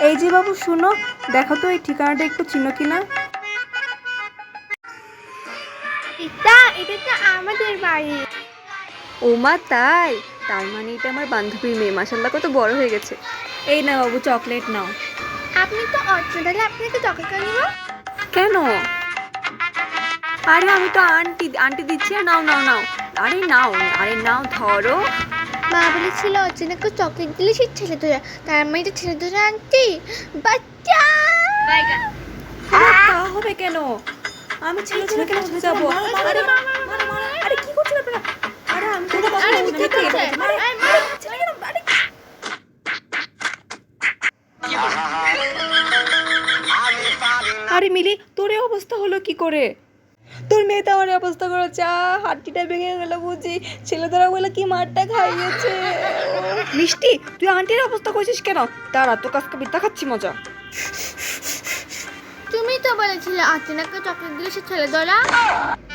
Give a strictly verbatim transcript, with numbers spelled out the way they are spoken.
এই যে বাবু শুনো, দেখো তো এই ঠিকানাটা একটু চিনো কিনা। এটা এটা তো আমাদের বাড়ি। ও মা তাই? তার মানে এটা আমার বান্ধবীর মেয়ে, মাশাআল্লাহ কত বড় হয়ে গেছে। এই না বাবু, চকলেট নাও। আপনি তো অর্চনা, তাহলে আপনাকে চকলেট নিব কেন? আরে আমি তো আন্টি আন্টি দিচ্ছি, আর নাও নাও নাও। আরে নাও, আরে নাও ধরো। মা বলেছিল অর্চনাকে চকলেট দিলে সে ছেলে ধরে, তার মানে এটা ছেলে ধরে আনটি বাচ্চা। আরে তা হবে কেন? আমি ছেলে ছেলে কেন হতে যাবো? আরে আরে কি করছেন আপনারা? আরে আমি তো কথা আরে বলছি ঠিক নাকি? আছে। আরে, আরে, আরে, ছেলে কেন? আরে, আরে মিলি, তোর এই অবস্থা হলো কি করে? তোর মেয়ে তো আমার এই অবস্থা করেছে, আহ, হাড্ডিটা ভেঙে গেল বুঝি। ছেলেদেরা বলে কি মারটা খাইয়েছে। মিষ্টি, তুই আন্টির অবস্থা করছিস কেন? দাঁড়া, তোর কাছকে বিদ্যা খাচ্ছি মজা। তুমি তো বলেছিলে অর্চনাকে চকলেট দিলে সে ছেলে ধরা।